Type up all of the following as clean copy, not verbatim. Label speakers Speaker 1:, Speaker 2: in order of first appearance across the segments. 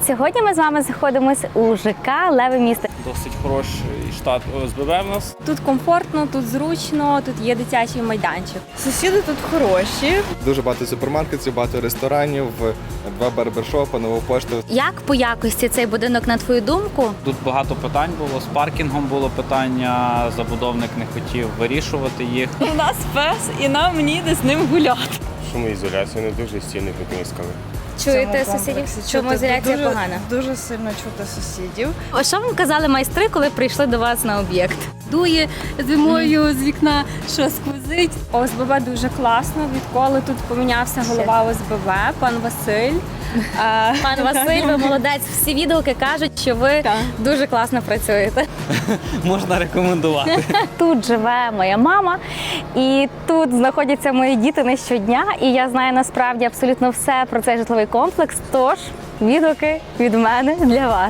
Speaker 1: Сьогодні ми з вами знаходимося у ЖК «Леве місто».
Speaker 2: Досить хороший штат ОСББ в нас.
Speaker 1: Тут комфортно, тут зручно, тут є дитячий майданчик.
Speaker 3: Сусіди тут хороші.
Speaker 4: Дуже багато супермаркетів, багато ресторанів, 2 барбершопи, нову пошту.
Speaker 1: Як по якості цей будинок, на твою думку?
Speaker 2: Тут багато питань було. З паркінгом було питання, забудовник не хотів вирішувати їх.
Speaker 3: У нас пес і нам ніде з ним гуляти.
Speaker 5: Шумоізоляція не дуже стіни потріскали.
Speaker 1: Чуєте сусідів? Шумоізоляція погана?
Speaker 3: Дуже сильно чути сусідів.
Speaker 1: А що вам казали майстри, коли прийшли до вас на об'єкт? Дує зимою з вікна, що сквозить.
Speaker 6: ОСББ дуже класно. Відколи тут помінявся голова ОСББ, пан Василь.
Speaker 1: Пан Василь, ви молодець. Всі відгуки кажуть, що ви дуже класно працюєте.
Speaker 2: Можна рекомендувати.
Speaker 1: Тут живе моя мама, і тут знаходяться мої діти не щодня. І я знаю насправді абсолютно все про цей житловий комплекс. Тож відгуки від мене для вас.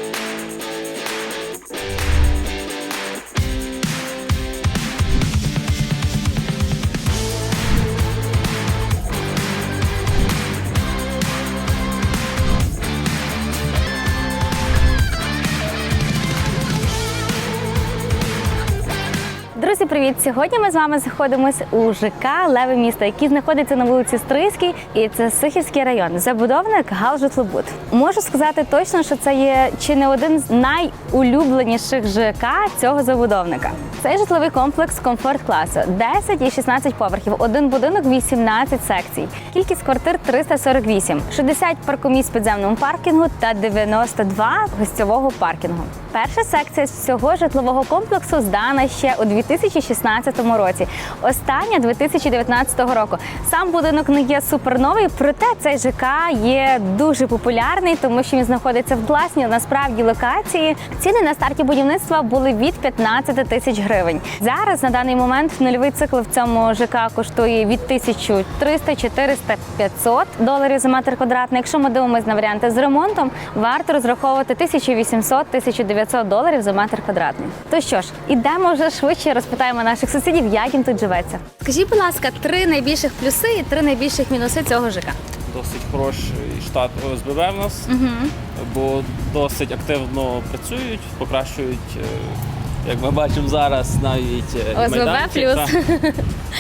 Speaker 1: Друзі, привіт! Сьогодні ми з вами знаходимося у ЖК «Леве місто», який знаходиться на вулиці Стрийській, і це Сихівський район. Забудовник «Галжитлобуд». Можу сказати точно, що це є чи не один з найулюбленіших ЖК цього забудовника. Цей житловий комплекс комфорт-класу, 10 і 16 поверхів, один будинок, 18 секцій. Кількість квартир 348, 60 паркомісць в підземному паркінгу та 92 гостьового паркінгу. Перша секція з цього житлового комплексу здана ще у 2016 році, остання 2019 року. Сам будинок не є суперновий, проте цей ЖК є дуже популярний, тому що він знаходиться в класній, насправді, локації. Ціни на старті будівництва були від 15 тисяч гривень. Зараз, на даний момент, нульовий цикл в цьому ЖК коштує від 1300, 400, 500 доларів за метр квадратний. Якщо ми дивимося на варіанти з ремонтом, варто розраховувати 1800-1900 доларів за метр квадратний. То що ж, ідемо вже швидше, розпитаємо наших сусідів, як їм тут живеться. Скажіть, будь ласка, 3 найбільших плюси і 3 найбільших мінуси цього ЖК.
Speaker 2: Досить хороший штат ОСББ в нас, бо досить активно працюють, покращують, як ми бачимо зараз, навіть
Speaker 1: ОСББ
Speaker 2: майданчик.
Speaker 1: плюс.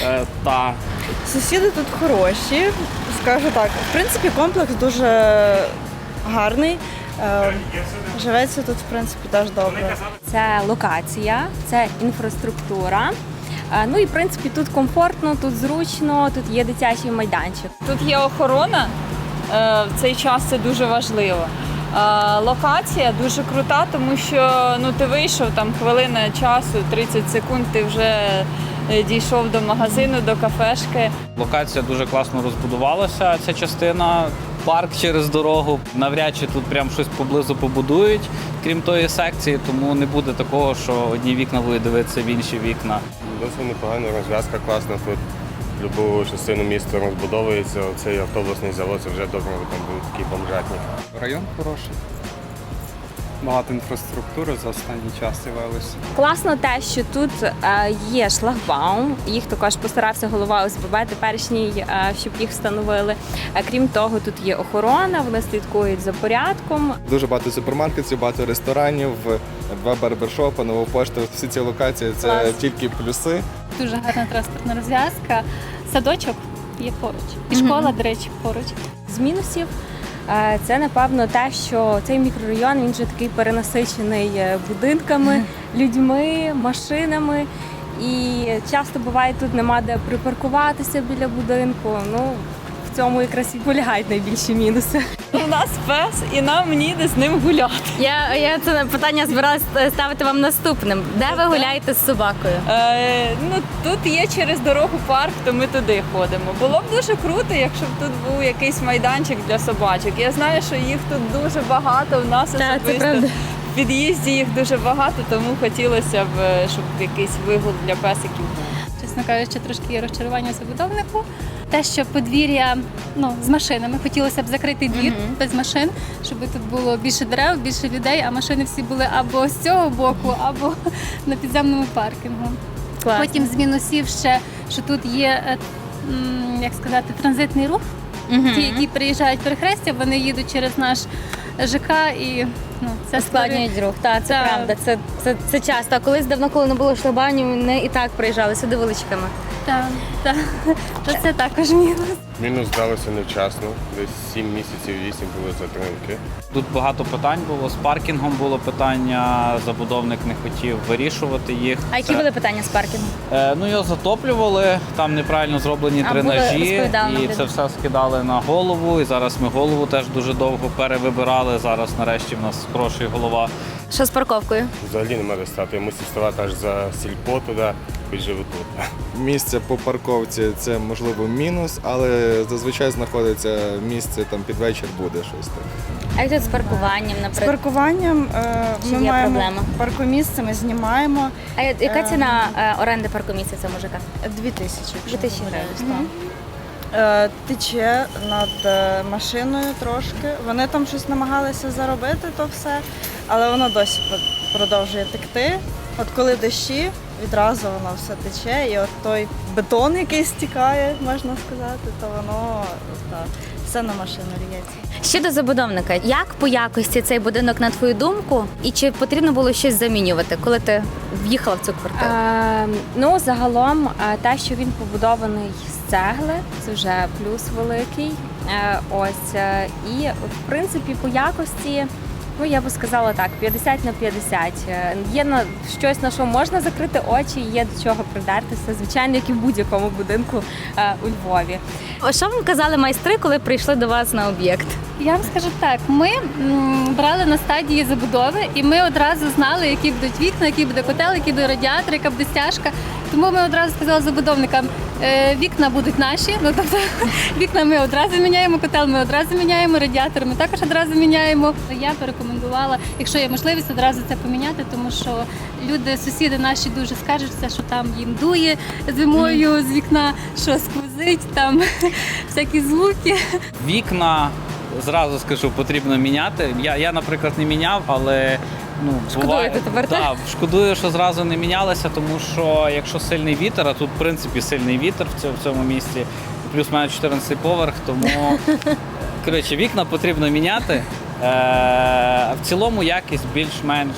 Speaker 2: Та
Speaker 3: Сусіди тут хороші. Скажу так, в принципі, комплекс дуже гарний. Живеться тут, в принципі, теж добре.
Speaker 6: Це локація, це інфраструктура. Ну і в принципі тут комфортно, тут зручно, тут є дитячий майданчик.
Speaker 3: Тут є охорона, в цей час це дуже важливо. Локація дуже крута, тому що ти вийшов, там хвилина часу, 30 секунд, ти вже дійшов до магазину, до кафешки.
Speaker 2: локація дуже класно розбудувалася, ця частина. Парк через дорогу. Навряд чи тут прям щось поблизу побудують, крім тої секції, тому не буде такого, що одні вікна будуть дивитися в інші вікна.
Speaker 5: Досить непогано, розв'язка класна тут. Любу частину міста розбудовується. Цей автобусний завод, це вже добре, там будуть такі бомжатні.
Speaker 7: Район хороший. Багато інфраструктури за останній час з'явилося.
Speaker 6: Класно те, що тут є шлагбаум, їх також постарався голова ОСББ теперішній, щоб їх встановили. Крім того, тут є охорона, вони слідкують за порядком.
Speaker 4: Дуже багато супермаркетів, багато ресторанів, 2 барбершопи, нову пошту. Всі ці локації – це тільки плюси.
Speaker 8: Дуже гарна транспортна розв'язка. Садочок є поруч. І школа, до речі, поруч.
Speaker 6: З мінусів це, напевно, те, що цей мікрорайон, він вже такий перенасичений будинками, людьми, машинами. І часто буває, тут нема де припаркуватися біля будинку. Ну, в цьому якраз і полягають найбільші мінуси.
Speaker 3: У нас пес і нам ніде з ним гуляти.
Speaker 1: Я це питання збиралася ставити вам наступним. Де ви гуляєте з собакою?
Speaker 3: Тут є через дорогу парк, то ми туди ходимо. Було б дуже круто, якщо б тут був якийсь майданчик для собачок. Я знаю, що їх тут дуже багато, у нас особисто в під'їзді їх дуже багато, тому хотілося б, щоб якийсь вигул для песиків був.
Speaker 8: Чесно кажучи, трошки є розчарування забудовнику. Те, що подвір'я з машинами, хотілося б закрити двір без машин, щоб тут було більше дерев, більше людей, а машини всі були або з цього боку, або на підземному паркінгу.
Speaker 1: Класно.
Speaker 8: Потім з мінусів ще, що тут є, як сказати, транзитний рух. Ті, які приїжджають перехрестя, вони їдуть через наш ЖК і це
Speaker 1: Складнюють рух. Так, це
Speaker 8: Так.
Speaker 1: правда. Це часто. А колись давно, коли не було шлагбаумів, вони і так приїжджали сюди величками.
Speaker 8: Так. То це також мінус.
Speaker 5: Мінус здалося невчасно, десь 7 місяців, 8 були затримки.
Speaker 2: Тут багато питань було. З паркінгом було питання, забудовник не хотів вирішувати їх.
Speaker 1: А які були питання з паркінгу?
Speaker 2: Його затоплювали, там неправильно зроблені
Speaker 1: А,
Speaker 2: дренажі,
Speaker 1: розповідали нам
Speaker 2: і
Speaker 1: люди.
Speaker 2: це все скидали на голову. І зараз ми голову теж дуже довго перевибирали. Зараз нарешті в нас хороший голова.
Speaker 1: Що з парковкою?
Speaker 5: Взагалі нема де стати. Я мусив ставати аж за сільпо туди, хоч живу тут.
Speaker 4: Місце по парковці це можливо мінус, але зазвичай знаходиться місце там під вечір буде щось там.
Speaker 1: А як тут з паркуванням,
Speaker 9: З
Speaker 1: наприклад?
Speaker 9: паркуванням
Speaker 1: Чи
Speaker 9: ми
Speaker 1: є
Speaker 9: маємо
Speaker 1: проблема?
Speaker 9: паркомісце, ми знімаємо
Speaker 1: А яка ціна оренди паркомісця цього мужика?
Speaker 9: 2000.
Speaker 1: 2000 гривень.
Speaker 9: Тече над машиною трошки. Вони там щось намагалися заробити, то все, але воно досі продовжує текти. От коли дощі, відразу воно все тече, і от той бетон, який стікає, можна сказати, то воно все на машину лється.
Speaker 1: Щодо забудовника, як по якості цей будинок, на твою думку, і чи потрібно було щось замінювати, коли ти в'їхала в цю квартиру?
Speaker 6: Загалом те, що він побудований з цегли, це вже плюс великий. І в принципі по якості, я би сказала так, 50 на 50. Є на щось, на що можна закрити очі, є до чого придертися, звичайно, як і в будь-якому будинку у Львові.
Speaker 1: Що вам казали майстри, коли прийшли до вас на об'єкт?
Speaker 8: Я вам скажу так, ми брали на стадії забудови, і ми одразу знали, які будуть вікна, який буде котел, який буде радіатор, яка буде стяжка. Тому ми одразу сказали забудовникам, вікна будуть наші, тобто вікна ми одразу міняємо, котел ми одразу міняємо, радіатор ми також одразу міняємо. Я порекомендувала, якщо є можливість, одразу це поміняти, тому що люди, сусіди наші дуже скаржаться, що там їм дує зимою з вікна, що сквозить, там всякі звуки.
Speaker 2: Вікна, зразу скажу, потрібно міняти. Я наприклад, не міняв, але
Speaker 1: Шкодуєте тепер, так?
Speaker 2: Так, шкодую, що зразу не мінялися, тому що якщо сильний вітер, а тут в принципі сильний вітер в цьому місці, плюс має 14 поверх, тому коротше, вікна потрібно міняти. В цілому якість більш-менш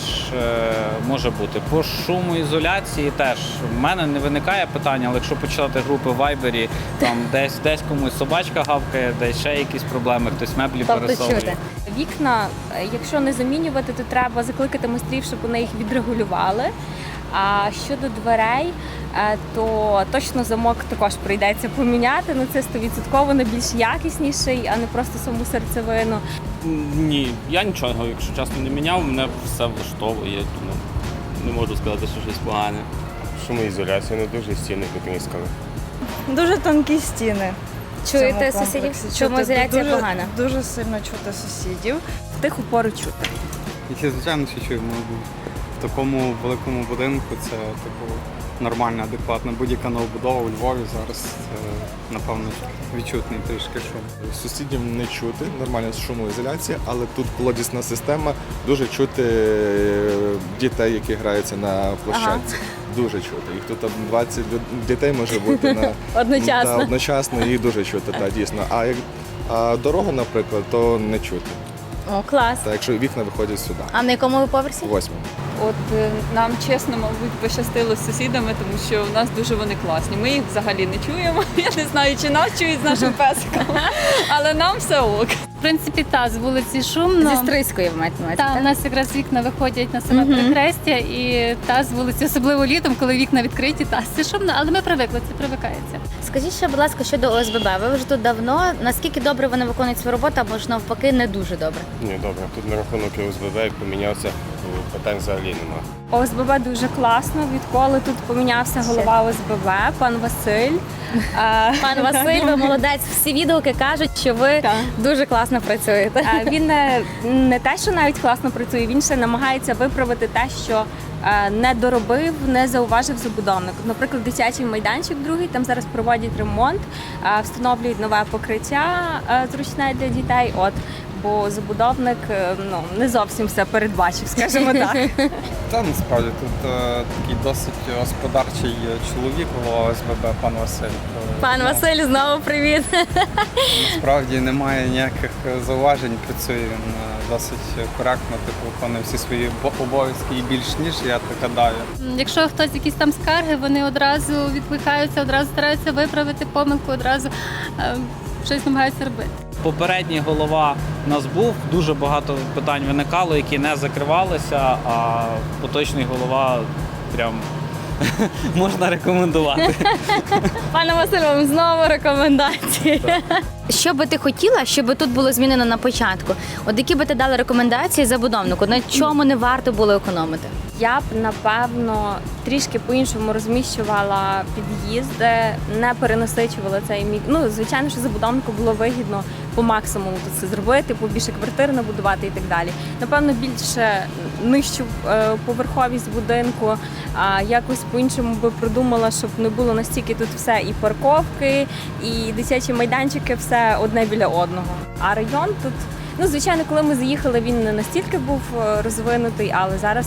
Speaker 2: може бути. По шумоізоляції теж в мене не виникає питання, але якщо почати групи в Вайбері, там десь комусь собачка гавкає, десь ще якісь проблеми, хтось меблі
Speaker 1: Тобто
Speaker 2: пересовує.
Speaker 1: чути.
Speaker 6: Вікна, якщо не замінювати, то треба закликати майстрів, щоб вони їх відрегулювали. А щодо дверей, то точно замок також прийдеться поміняти. Це 100% на більш якісніший, а не просто саму серцевину.
Speaker 10: Ні, я нічого, якщо чесно, не міняв, мене все влаштовує, тому не можу сказати, що щось погане.
Speaker 5: Шумоізоляція не дуже, стіни потріскали.
Speaker 9: Дуже тонкі стіни. в
Speaker 1: Чуєте
Speaker 9: цьому
Speaker 1: сусідів?
Speaker 9: комплексі.
Speaker 1: Шумоізоляція
Speaker 9: Дуже-
Speaker 1: погана.
Speaker 9: Дуже сильно чути сусідів.
Speaker 6: В тиху пору чути.
Speaker 7: І звичайно, що чуємо. В такому великому будинку це нормальна, адекватна. Будь-яка новобудова у Львові зараз напевно відчутний трішки шум.
Speaker 4: Сусідів не чути, нормальна шумоізоляція, але тут колодісна система, дуже чути дітей, які граються на площадці. Дуже чути. Їх тут 20 дітей може бути
Speaker 1: Одночасно.
Speaker 4: одночасно, їх дуже чути, дійсно. А дорогу, наприклад, то не чути.
Speaker 1: О, клас.
Speaker 4: Та якщо вікна виходять сюди,
Speaker 1: А на якому ви поверсі?
Speaker 4: 8-му.
Speaker 3: От нам чесно, мабуть, пощастило з сусідами, тому що у нас дуже вони класні. Ми їх взагалі не чуємо. Я не знаю, чи нас чують з нашим песиком, але нам все ок.
Speaker 8: В принципі, з вулиці шумно.
Speaker 1: Зі Стрийської ви маєте на увазі,
Speaker 8: У
Speaker 1: так?
Speaker 8: нас якраз вікна виходять на саме перехрестя, і з вулиці, особливо літом, коли вікна відкриті, це шумно, але ми привикли, це привикається.
Speaker 1: Скажіть ще, будь ласка, щодо ОСББ. Ви вже тут давно. Наскільки добре вони виконують свою роботу, або ж навпаки не дуже добре?
Speaker 5: Ні, добре. Тут на рахунок ОСББ, як помінявся, питань взагалі нема.
Speaker 6: ОСББ дуже класно, відколи тут помінявся голова ОСББ, пан Василь.
Speaker 1: Пан Василь, ви молодець. Всі відгуки кажуть, що ви
Speaker 6: Так.
Speaker 1: дуже класно працюєте.
Speaker 6: Він не те, що навіть класно працює, він ще намагається виправити те, що не доробив, не зауважив забудовник. Наприклад, дитячий майданчик другий, там зараз проводять ремонт, встановлюють нове покриття зручне для дітей. бо забудовник не зовсім все передбачив, скажімо так.
Speaker 7: Та насправді тут такий досить господарчий чоловік, голова ОСББ, пан Василь.
Speaker 1: Пан Василь, знову привіт.
Speaker 7: Насправді немає ніяких зауважень, працює він досить коректно, виконує всі свої обов'язки і більш ніж, я так гадаю.
Speaker 8: Якщо хтось якісь там скарги, вони одразу відкликаються, одразу стараються виправити помилку, одразу щось намагаються робити.
Speaker 2: Попередній голова у нас був, дуже багато питань виникало, які не закривалися, а поточний голова прям можна рекомендувати.
Speaker 1: Пане Василь, вам знову рекомендації. Що би ти хотіла, щоб тут було змінено на початку? От які би ти дала рекомендації забудовнику? На чому не варто було економити?
Speaker 6: Я б, напевно, трішки по-іншому розміщувала під'їзди, не перенасичувала цей звичайно, що забудовнику було вигідно по максимуму тут це зробити, побільше квартир набудувати і так далі. Напевно, більше нижчу поверховість будинку, якось по-іншому би продумала, щоб не було настільки тут все і парковки, і дитячі майданчики, все одне біля одного. А район тут, звичайно, коли ми заїхали, він не настільки був розвинутий, але зараз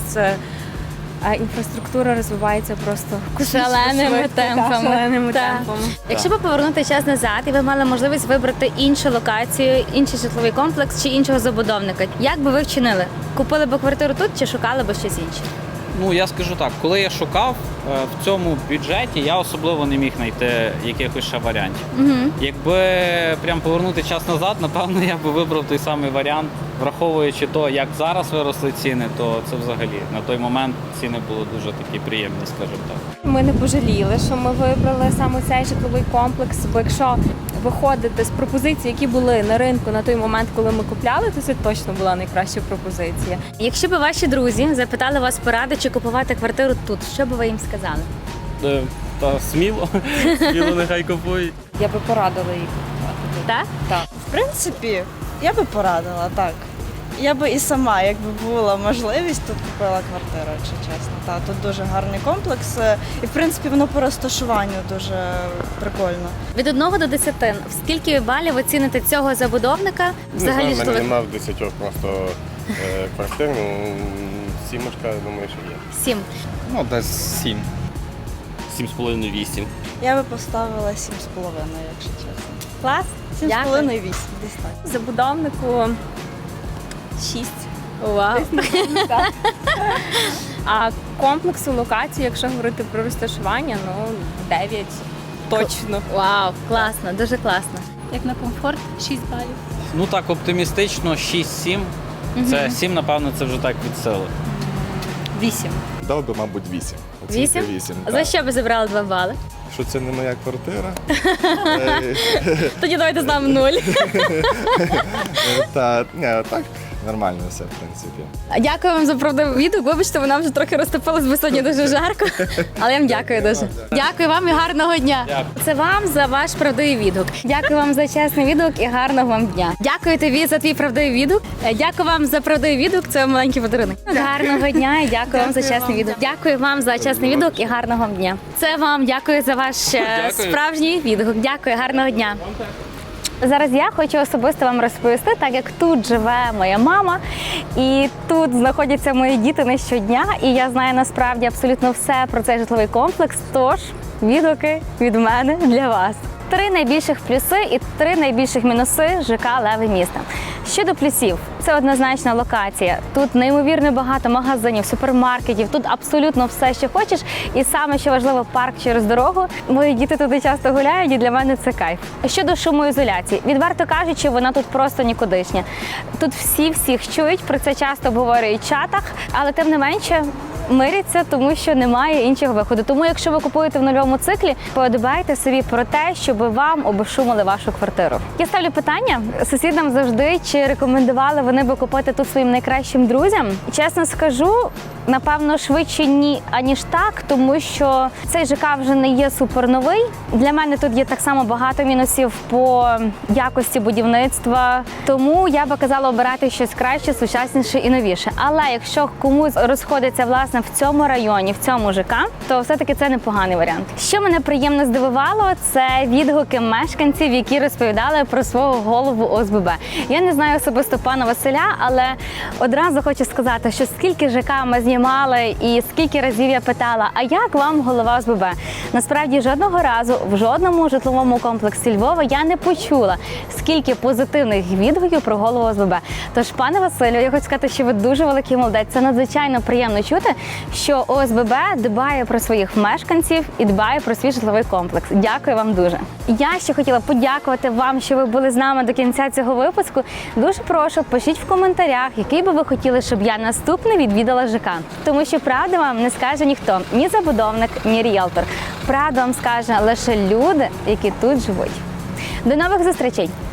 Speaker 6: інфраструктура розвивається просто
Speaker 1: Шаленими темпами. Так. Якщо б повернути час назад, і ви мали можливість вибрати іншу локацію, інший житловий комплекс чи іншого забудовника, як би ви вчинили? Купили б квартиру тут чи шукали б щось інше?
Speaker 2: Ну, я скажу так, коли я шукав в цьому бюджеті, я особливо не міг знайти якихось ще варіантів. Якби прям повернути час назад, напевно, я би вибрав той самий варіант, враховуючи то, як зараз виросли ціни, то це взагалі на той момент ціни були дуже такі приємні, скажімо так.
Speaker 6: Ми не пожаліли, що ми вибрали саме цей житловий комплекс, бо якщо виходити з пропозицій, які були на ринку на той момент, коли ми купляли, то це точно була найкраща пропозиція.
Speaker 1: Якщо б ваші друзі запитали вас поради, чи купувати квартиру тут, що б ви їм сказали?
Speaker 10: Та сміло нехай купують.
Speaker 9: Я би порадила їх купувати.
Speaker 1: Так?
Speaker 9: Так. В принципі, я би порадила, так. Я би і сама, якби була можливість, тут купила квартиру, якщо чесно. Так, тут дуже гарний комплекс. І, в принципі, воно по розташуванню дуже прикольно.
Speaker 1: Від 1 до 10, в скільки балів ви ціните цього забудовника? Взагалі
Speaker 5: не знаю, в мене
Speaker 1: житлових?
Speaker 5: немає в 10 просто квартир, сімочка, думаю, що є.
Speaker 1: 7.
Speaker 7: Ну, десь 7.
Speaker 10: 7,5-8.
Speaker 9: Я би поставила 7,5, якщо чесно.
Speaker 1: Клас?
Speaker 9: 7,5-8, десь так.
Speaker 6: Забудовнику 6.
Speaker 1: Вау.
Speaker 6: А комплексу локації, якщо говорити про розташування, 9 точно.
Speaker 1: Вау, класно, дуже класно.
Speaker 8: Як на комфорт, 6 балів.
Speaker 2: Ну так, оптимістично 6-7. Це 7, напевно, це вже так від сили.
Speaker 6: 8.
Speaker 4: Дав би, мабуть, 8. Оцінка
Speaker 1: 8?
Speaker 4: 8,
Speaker 1: За
Speaker 4: так.
Speaker 1: що би забрали 2 бали?
Speaker 4: Що це не моя квартира.
Speaker 1: Тоді давайте з нами 0.
Speaker 4: Так, нормально все, в принципі.
Speaker 1: Дякую вам за правдивий відгук. Вибачте, вона вже трохи розтопилась, бо сьогодні дуже жарко. Але я вам дякую дуже. Дякую вам і гарного дня.
Speaker 2: Дякую.
Speaker 1: Це вам за ваш правдивий відгук. Дякую вам за чесний відгук і гарного вам дня. Дякую тобі за твій правдивий відгук. Дякую вам за правдивий відгук. Це маленький подарунок. Гарного дня і дякую вам за чесний відгук. Дякую вам за чесний відгук і гарного вам дня. Це вам дякую за ваш справжній відгук. Дякую, гарного дня. Зараз я хочу особисто вам розповісти, так як тут живе моя мама, і тут знаходяться мої діти не щодня, і я знаю насправді абсолютно все про цей житловий комплекс, тож відгуки від мене для вас. 3 найбільших плюси і 3 найбільших мінуси ЖК «Леве місто». Щодо плюсів, це однозначна локація. Тут неймовірно багато магазинів, супермаркетів, тут абсолютно все, що хочеш. І саме, що важливо, парк через дорогу. Мої діти туди часто гуляють, і для мене це кайф. Щодо шумоізоляції, відверто кажучи, вона тут просто нікудишня. Тут всі всіх чують, про це часто обговорюють в чатах, але тим не менше миряться, тому що немає іншого виходу. Тому, якщо ви купуєте в нульовому циклі, подбайте собі про те, щоб вам обшумили вашу квартиру. Я ставлю питання сусідам завжди, чи рекомендували вони би купити тут своїм найкращим друзям. Чесно скажу, напевно, швидше ні, аніж так, тому що цей ЖК вже не є суперновий. Для мене тут є так само багато мінусів по якості будівництва, тому я би казала обирати щось краще, сучасніше і новіше. Але якщо комусь розходиться власне власне в цьому районі, в цьому ЖК, то все-таки це непоганий варіант. Що мене приємно здивувало, це відгуки мешканців, які розповідали про свого голову ОСББ. Я не знаю особисто пана Василя, але одразу хочу сказати, що скільки ЖК ми знімали і скільки разів я питала, а як вам голова ОСББ? Насправді жодного разу в жодному житловому комплексі Львова я не почула, скільки позитивних відгуків про голову ОСББ. Тож, пане Василю, я хочу сказати, що ви дуже великий молодець. Це надзвичайно приємно чути, що ОСББ дбає про своїх мешканців і дбає про свій житловий комплекс. Дякую вам дуже. Я ще хотіла подякувати вам, що ви були з нами до кінця цього випуску. Дуже прошу, пишіть в коментарях, який би ви хотіли, щоб я наступний відвідала ЖК. Тому що правду вам не скаже ніхто, ні забудовник, ні ріелтор. Правду вам скаже лише люди, які тут живуть. До нових зустрічей!